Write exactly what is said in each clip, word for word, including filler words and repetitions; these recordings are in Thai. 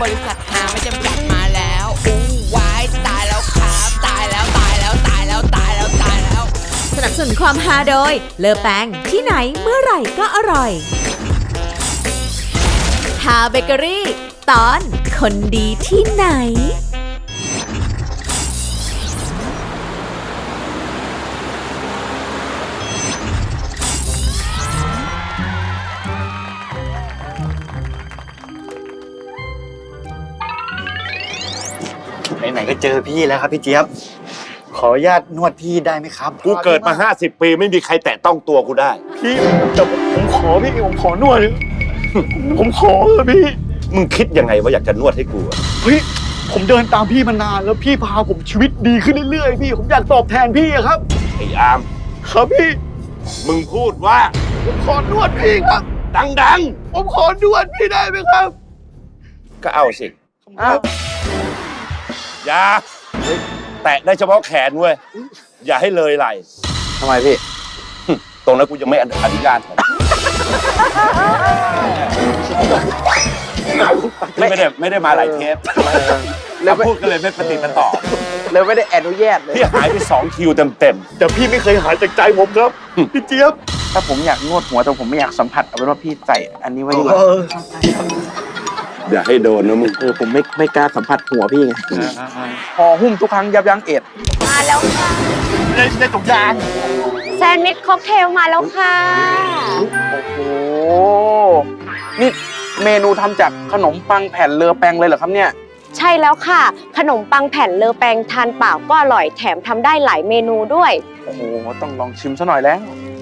บริษัทหาไม่จำกัดมาแล้วอู้วายตายแล้วครับตายแล้วตายแล้วตายแล้วตายแล้วตายแล้วสนับสนุนความฮาโดยเลอแปงที่ไหนเมื่อไหร่ก็อร่อยฮาเบเกอรี่ตอนคนดีที่ไหนไหนๆก็เจอพี่แล้วครับพี่เจี๊ยบขออนุญาตนวดพี่ได้ไหมครับกูเกิดมาห้าสิบปีไม่มีใครแตะต้องตัวกูได้พี่แต่ผมขอพี่ผมขอนวดผมขอเถอะพี่มึงคิดยังไงว่าอยากจะนวดให้กูเฮ้ยผมเดินตามพี่มานานแล้วพี่พาผมชีวิตดีขึ้นเรื่อยๆพี่ผมอยากตอบแทนพี่ครับไอ้อามครับพี่มึงพูดว่าผมขอนวดพี่ครับดังๆผมขอนวดพี่ได้ไหมครับก็เอาสิอย่าแตะได้เฉพาะแขนเว้ยอย่าให้เลยไหล่ทำไมพี่ตรงนั้นกูยังไม่อนุญาตไม่ได้ไม่ได้มาหลายเทปแล้วพูดกันเลยไม่ปฏิบัติต่อแล้วไม่ได้อนุญาตเลยพี่หายไปสองคิวเต็มเต็มแต่พี่ไม่เคยหายจากใจผมครับพี่เจี๊ยบถ้าผมอยากนวดหัวแต่ผมไม่อยากสัมผัสเอาเป็นว่าพี่ใส่อันนี้ไว้ดีกว่าอย่าให้โดนนะมึงเออผมไม่ไม่กล้าสัมผัสหัวพี่ไงพอหุ้มทุกครั้งยับยั้งเอ็ดมาแล้วค่ะในในถุงยางแซนด์วิชค็อกเทลมาแล้วค่ะโอ้โหนี่เมนูทำจากขนมปังแผ่นเลอแปงเลยเหรอครับเนี่ยใช่แล้วค่ะขนมปังแผ่นเลอแปงทานเปล่าก็อร่อยแถมทำได้หลายเมนูด้วยโอ้โหต้องลองชิมซะหน่อยแล้ว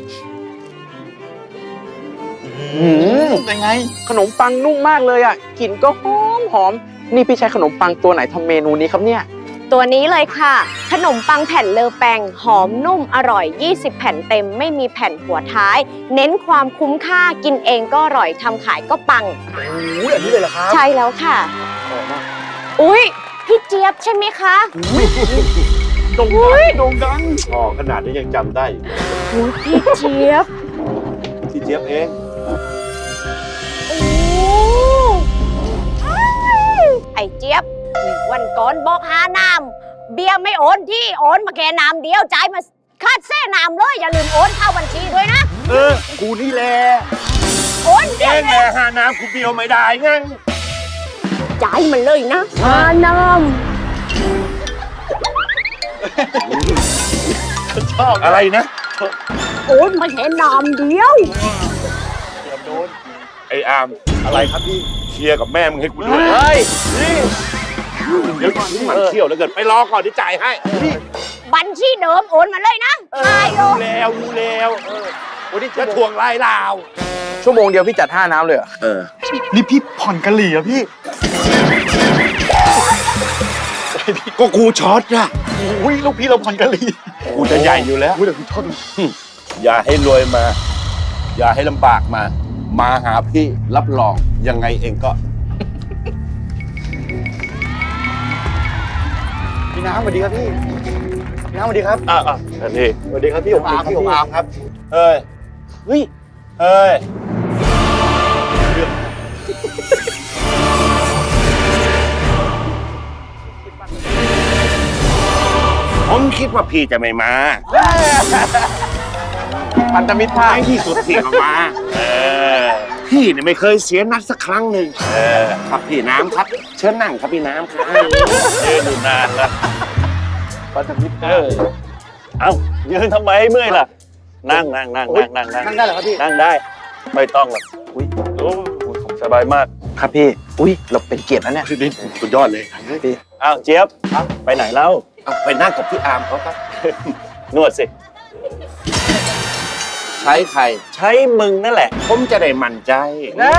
เป็นไงขนมปังนุ่มมากเลยอ่ะกลิ่นก็หอมหอมนี่พี่ใช้ขนมปังตัวไหนทำเมนูนี้ครับเนี่ยตัวนี้เลยค่ะขนมปังแผ่นเลอแปงหอมนุ่มอร่อยยี่สิบแผ่นเต็มไม่มีแผ่นหัวท้ายเน้นความคุ้มค่ากินเองก็อร่อยทำขายก็ปังโอ้ยอันนี้เลยเหรอครับใช่แล้วค่ะอุ้ยพี่เจี๊ยบใช่ไหมคะโด่งดังโด่งดังอ๋อขนาดนี้ยังจำได้อุ้ยพี่เจี๊ยบพี่เจี๊ยบเองไอ้เจี๊ยบวันก่อนบอกหาน้ำเบียร์ไม่โอนที่โอนมาแค่น้ำเดียวจ่ายมาคาดแซ่น้ำเลยอย่าลืมโอนเข้าบัญชีด้วยนะเออกูนี่แหละโอนเองแหละหาน้ำกูเบียวไม่ได้ไงจ่ายมันเลยนะหาน้ำชอบอะไรนะโอนมาแค่น้ำเดียวเกือบโดนไอ้อามอะไรครับพี่เคลียร์กับแม่มึงให้กูด้วยเฮ้ยนี่เดี๋ยวก่อนที่มันเที่ยวแล้วเกิดไปรอก่อนที่จ่ายให้บัญชีเดิมโอนมาเลยนะใช่รู้แล้วรู้แล้วโอ้นี่จะทวงไล่ลาวชั่วโมงเดียวพี่จัดห้าน้ำเลยเหรอเออนี่พี่ผ่อนกะหรี่อะพี่ก็กูช็อตอะโอ้ยลูกพี่เราผ่อนกะหรี่กูจะใหญ่อยู่แล้วอุ้ยแต่กูชอบอย่าให้รวยมาอย่าให้ลำบากมามาหาพี่รับรองยังไงเองก็พี่น้ำสวัสดีครับพี่พี่น้ำสวัสดีครับอ่าอ่าอันนี้สวัสดีครับพี่ผมอาร์มพี่ผมอาร์มครับเอ้ยเฮ้ยเอ้ยผมคิดว่าพี่จะไม่มาพันธมิตรภาพที่สุดพี่ก็มาเออพี่เนี่ยไม่เคยเสียนัดสักครั้งหนึ่งเออครับพี่น้ำครับเชิญนั่งครับพี่น้ำครับยืนอยู่นานนะพันธมิตรเออเอ้ายืนทำไมเมื่อยล่ะนั่งนั่งนั่งนั่งนั่งนั่งนั่งได้เหรอครับพี่นั่งได้ไม่ต้องหรอกอุ้ยโอ้สบายมากครับพี่อุ้ยเราเป็นเกียรตินะเนี่ยสุดยอดเลยพี่อ้าวเจี๊ยบไปไหนแล้วไปนั่งกับพี่อาร์มเขาครับนวดสิใช้ใครใช้มึงนั่นแหละผมจะได้มั่นใจนะ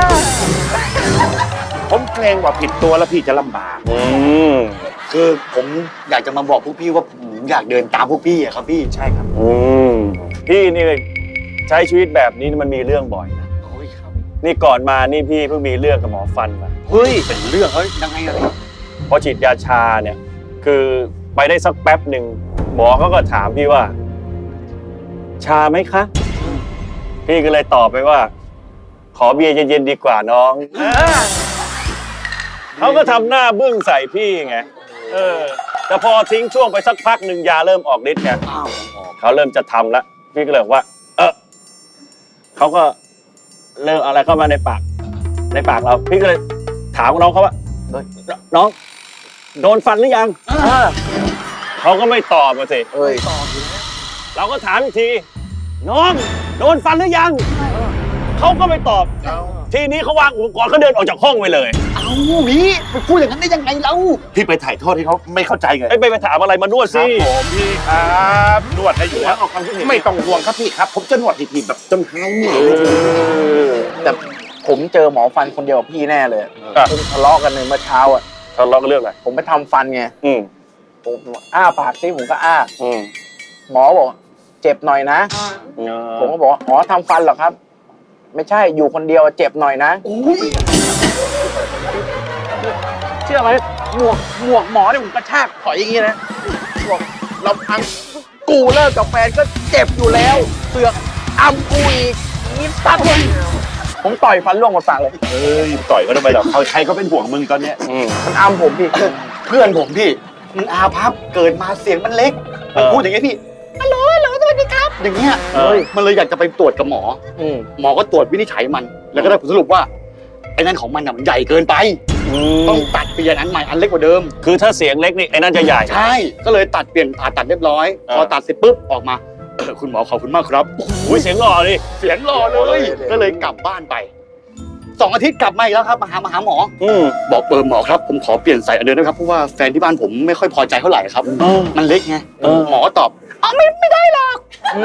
ผมเกรงว่าผิดตัวแล้วพี่จะลำบากอืมคือผมอยากจะมาบอกพวกพี่ว่าผมอยากเดินตามพวกพี่อะครับพี่ใช่ครับอืมพี่นี่ใช้ชีวิตแบบนี้มันมีเรื่องบ่อยนะโอ้ยครับนี่ก่อนมานี่พี่เพิ่งมีเรื่องกับหมอฟันมาเฮ้ยเป็นเรื่องเฮ้ยยังไงอะพี่พอฉีดยาชาเนี่ยคือไปได้สักแป๊บหนึ่งหมอเขาก็ถามพี่ว่าชาไหมคะพี่ก็เลยตอบไปว่าขอเบียร์เย็นๆดีกว่าน้องดเขาก็ทำหน้าบึ้งใส่พี่ไงเออแต่พอทิ้งช่วงไปสักพักหนึ่งยาเริ่มออกฤทธิ์ไงเขาเริ่มจะทำแล้วพี่ก็เลยบอกว่า เออเขาก็เริ่มเอาอะไรเข้ามาในปากในปากเราพี่ก็เลยถามน้องเขาว่าน้องโดนฟันหรือยังเขาก็ไม่ตอบมาสิเอ้ยเราก็ถามอีกทีน้องโดนฟันหรือยังเขาก็ไม่ตอบทีนี้เขาวางอุปกรณ์เขาเดินออกจากห้องไปเลยเอาพี่ไปพูดอย่างนั้นได้ยังไงเราพี่ไปถ่ายทอดให้เขาไม่เข้าใจไงไอ้ไปไปถามอะไรมานวดครัสิบผมพี่ครับนวดให้อยู่แล้วออกความคิดเห็นไม่ต้องห่วงครับพี่ครับ ผมจะนวดให้พี่แบบจนหายเหนื่อยเลยแต่ผมเจอหมอฟันคนเดียวกับพี่แน่เลยผมทะเลาะกันในเมื่อเช้าอ่ะทะเลาะกันเรื่องอะไรผมไปทำฟันไงอืมผมอ้าปากซิผมก็อ้าอืมหมอบอกเจ็บหน่อยนะ ผมก็บอกอ๋อทำฟันเหรอครับ ไม่ใช่อยู่คนเดียวเจ็บหน่อยนะเชื่อไหมหมวกหมวกหมอเนี่ยผมกระชากถอยอย่างงี้นะบอกเราพังกูเลิกกับแฟนก็เจ็บอยู่แล้วเสือกอำกูอีกนี่ตัดเลยผมต่อยฟันร่วงหมดปากเลยเอ้ยต่อยก็ทำไมหรอกเขาใครก็เป็นห่วงมึงตอนเนี้ยอืมมันอำผมพี่เพื่อนผมพี่มันอาภัพเกิดมาเสียงมันเล็กมันพูดอย่างเงี้ยพี่ฮัลโหลฮัลโหลสวัสดีครับอย่างเงี้ยเออมันเลยอยากจะไปตรวจกับหมออืมหมอก็ตรวจวินิจฉัยมัน แล้วก็ได้ผลสรุปว่าไอ้นั่นของมันน่ะมันใหญ่เกินไป ต้องตัดเปลี่ยนอันใหม่อันเล็กกว่าเดิมคือถ้าเสียงเล็กนี่ไอ้นั่นจะใหญ่ใช่ ก็เลยตัดเปลี่ยนผ่าตัดเรียบร้อยอ่าพอตัดเสร็จปุ๊บออกมาเออคุณหมอขอบคุณมากครับอุ้ยเสียงหล่อดิเสียงหล่อเลย ก็เลยกลับบ้านไปสองอาทิตย์กลับมาอีกแล้วครับมาหามาหาหมออืมบอกเออหมอครับผมขอเปลี่ยนใส่อันเดิมนะครับเพราะว่าแฟนที่บ้านผมไม่ค่อยพอใจเท่าไหร่ครับเออมันเล็กไงเออหมอตอบอ๋อไม่ไม่ได้หรอก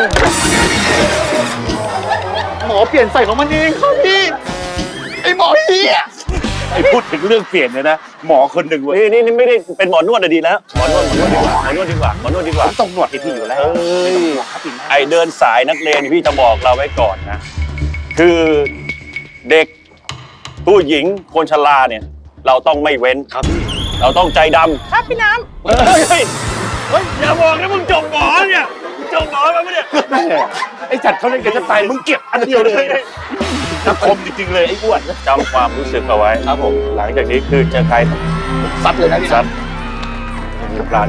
หมอเปลี่ยนใส่ของมันเองครับพี่ไอหมอเฮียไอพูดถึงเรื่องเปลี่ยนเนี่ยนะหมอคนหนึ่งเว้ยนี่นี่นี่ไม่ได้เป็นหมอนวดอะดีแล้วหมอนวดหมอนวดดีกว่าหมอนวดดีกว่าหมอนวดดีกว่าผมต้องนวดให้พี่อยู่แล้วเอ้ยไม่ต้องห่วงครับพี่นะไอเดินสายนักเรียนพี่จะบอกเราไว้ก่อนนะ คือเด็กผู้หญิงคนชราเนี่ย เราต้องไม่เว้นครับพี่เราต้องใจดำครับพี่น้ำเฮ้ยเฮ้ยเฮ้ยอย่าบอกนะมึงจบหมอเนี่ยมึงจบหมอมาปะเนี่ยแม่ไอจัดเขาเล่นกันจะตายมึงเก็บอันเดียวเลยนักคมจริงๆเลยไอ้อ้วนจำความรู้สึกเอาไว้ครับผมหลังจากนี้คือเจอใครซัดเลยนะพี่ซันะดมีปลาน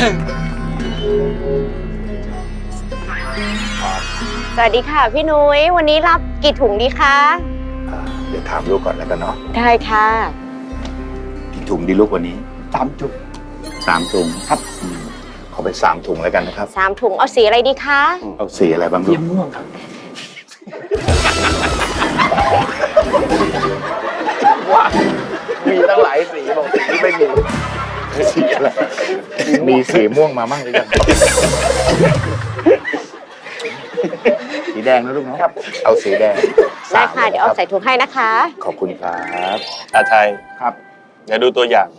สวัสดีค่ะพี่นุ้ยวันนี้รับกี่ถุงดีคะเดี๋ยวถามลูกก่อนแล้วกันเนาะได้ค่ะกี่ถุงดีลูกวันนี้สามจุดสามถุงครับอืมขอไปสามถุงแล้วกันนะครับสามถุงเอาสีอะไรดีคะเอาสีอะไรบ้างลูกม่วงครับว่ามีตั้งหลายสีบอกสีนี้ไม่มีสีอะไรมีสีม่วงมามั่งหรือยังสีแดงนะลูกเนาะเอาสีแดงได้ค่ะ เดี๋ยวเอาสามใส่ถุงให้นะคะขอบคุณครับอาไทยครับเดี๋ยวดูตัวอย่าง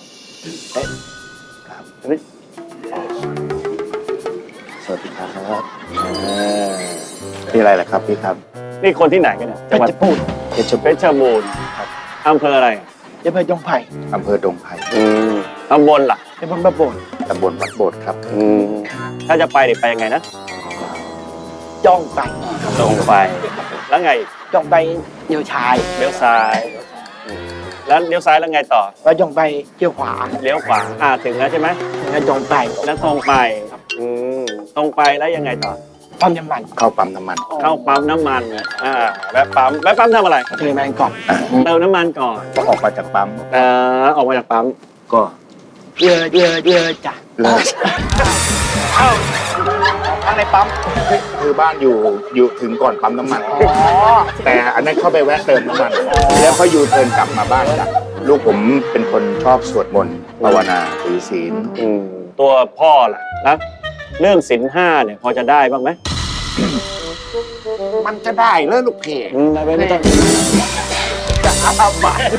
สวัสดีครับนี่อะไรล่ะครับพี่ครับนี่คนที่ไหนกันเนี่ยจังหวัดพูดเพชรเพชรบูรณ์ครับอำเภออะไรจะไปจงไผ่อำเภอดงไผ่อืมตำบลล่ะจะบนแบบโบนตำบลวัดโบดครับอืมถ้าจะไปเดี๋ยวไปยังไงนะจ้องไปตรงไป แล้วไงอีกจ้องไปเดี่ยวชายเลี้ยวซ้ายอืมแล้วเลี้ยวซ้ายแล้วไงต่อแล้วจ้องไปเดี่ยวขวาเลี้ยวขวาอ่าถึงแล้วใช่ไหมแล้วจ้องไปแล้วตรงไปอืมตรงไปแล้วยังไงต่อปั๊มน้ำมันเข้าปั๊มน้ำมันเข้าปั๊มน้ำมันอ่าแวะปั๊มแวะปั๊มทำอะไรเทแมนก่อนเติมน้ำมันก่อนก็ออกมาจากปั๊มเอ่อออกมาจากปั๊มก็เยอะเยอะเยอะจ้ะเลิกข้างในปั๊มคือบ้านอยู่อยู่ถึงก่อนปั๊มน้ำมัน แต่อันนั้นเข้าไปแวะเติมน้ำมัน แล้วก็ยูเทิร์นกลับมาบ้านจ้ะลูกผมเป็นคนชอบสวดมนต์ภาวนาถือศีลอืมตัวพ่อล่ะนะเรื่องศีลห้าเนี่ยพอจะได้บ้างไหมมันจะได้เลยลูกเพอืมไม่ไม่ต้องจะอาบัต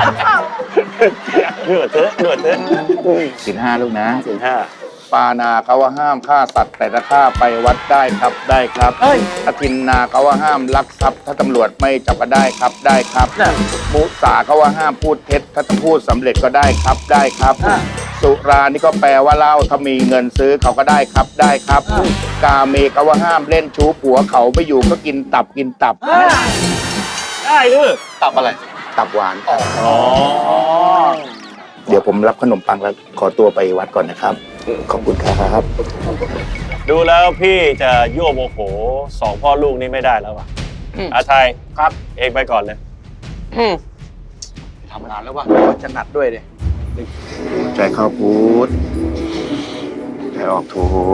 เดือดเถอะเดือดเถอะอืมศีลห้าลูกนะศีลห้าปานาเขาว่าห้ามฆ่าสัตว์แต่ถ้าฆ่าไปวัดได้ครับได้ครับอทินนาเขาว่าห้ามลักทรัพย์ถ้าตำรวจไม่จับก็ได้ครับได้ครับมุสาเขาว่าห้ามพูดเท็จถ้าจะพูดสำเร็จก็ได้ครับได้ครับ สุรานี่ก็แปลว่าเหล้าถ้ามีเงินซื้อเขาก็ได้ครับได้ครับ กาเมเขาว่าห้ามเล่นชู้ผัวเขาไม่อยู่ก็กินตับกินตับได้หรือตับอะไรตตับหวานครับอ๋อเดี๋ยวผมรับขนมปังแล้วขอตัวไปวัดก่อนนะครับ ขอบคุณครับดูแล้วพี่จะยั่วโมโหสองพ่อลูกนี่ไม่ได้แล้วว่ะอืมอาไทยครับเองไปก่อนเลยอืมทำงานแล้ววะก็จะหนัดด้วยดิใจเข้าพุทธใจออกโท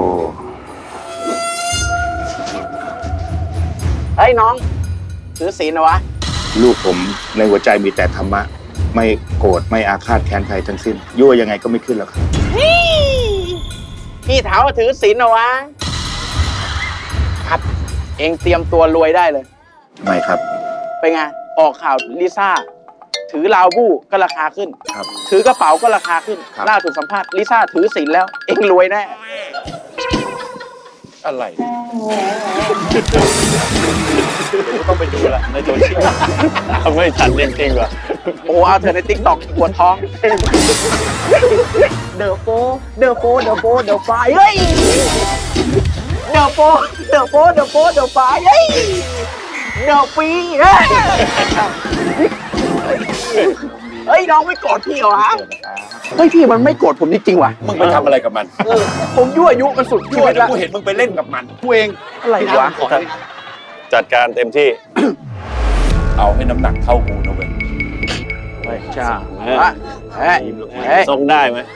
เฮ้ยน้อง ถือศีลนะวะลูกผมในหัวใจมีแต่ธรรมะ ไม่โกรธไม่อาฆาตแค้นใครทั้งสิ้น ยั่วยังไงก็ไม่ขึ้นแล้วครับพี่ถามว่าถือศีลนะวะ ครับ เองเตรียมตัวรวยได้เลยไม่ครับเป็นไง ออกข่าวลิซ่า ถือลาวบู้ก็ราคาขึ้นครับถือกระเป๋าก็ราคาขึ้นครับล่าสุดสัมภาษณ์ลิซ่าถือศีลแล้ว เองรวยแน่อะไรต้องไปดูละในโซเชียลทำไม่ทันจริงๆว่ะโอ้โหเอาเธอในติ๊กต็อกปวดท้อง เดอะโฟเดอะโฟเดอะโฟเดอะไฟเฮ้ย เดอะโฟเดอะโฟเดอะโฟเดอะไฟเฮ้ย เดอะฟีเฮ้ย เฮ้ยน้องไม่โกรธพี่เหรอวะ เฮ้ยพี่มันไม่โกรธผมจริงๆว่ะมึงไปทำอะไรกับมันเออผมยั่วยุมันสุดชีช่ววิยตแล้แล้ว วกูเห็นมึงไปเล่นกับมันกูเองอะไรวะจัดการเต็มที่เอาให้น้ำหนักเท่ากูนะเว้ยใช่เฮ้ยเฮ้ยเฮ้ยทรงได้ไหม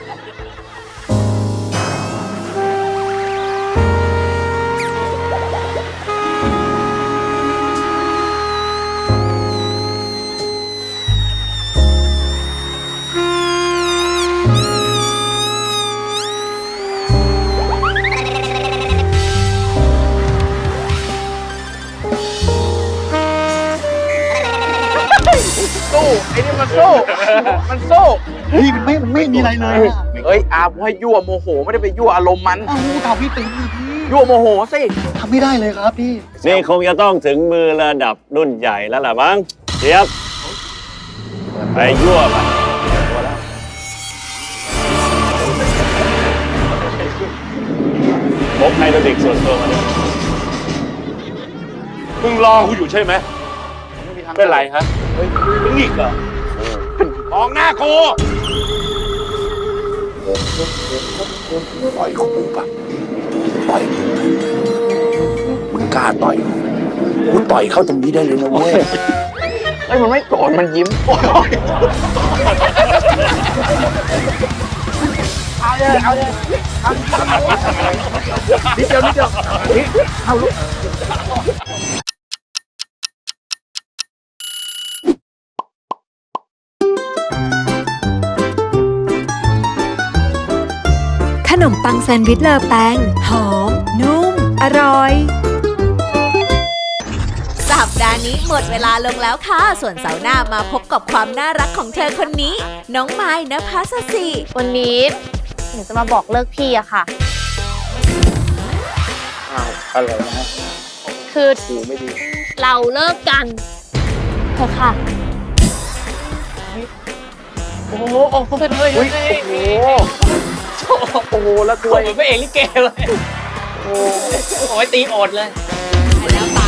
สู้ไอ้นี่มันสู้ มันสู้พี่มันไม่มันไม่มีอะไรเลยเฮ้ยอาผมให้ยั่วโมโหไม่ได้ไปยั่วอารมณ์มันอ้าวทำพี่ตีพี่ยั่วโมโหสิทำไม่ได้เลยครับพี่นี่คงจะต้องถึงมือระดับรุ่นใหญ่แล้วล่ะมั้งเจี๊ยบไปยั่วไปพกไฮโดรลิกส่วนตัวมาด้วยมึงรอกูอยู่ใช่ไหมเป็นไรฮะมึงอีกเหรอมองหน้ากูต่อยเขาปุ๊บอะต่อยมึงกล้าต่อยกูต่อยเข้าตรงนี้ได้เลยนะเว้ยเฮ้ยมันไม่โกรธมันยิ้มเอาเลยเอาเลยเอานิดเดียวนิดเดียวนี่เอาลูกขนมปังแซนด์วิชเลอแปงหอม นุ่ม อร่อย สัปดาห์นี้หมดเวลาลงแล้วค่ะ ส่วนเสาร์หน้ามาพบกับความน่ารักของเธอคนนี้ น้องไม้นภสสิวันนี้หนูจะมาบอกเลิกพี่อะค่ะอะไรนะฮะคือหูไม่ดีเราเลิกกันเถอะค่ะโอ้โหโอ้โหเฮ้ยโอ้โหโอ้โหแล้วตัวเหมือนพระเอกลิเกเลย โอ้ยตีโอดเลยแล้วต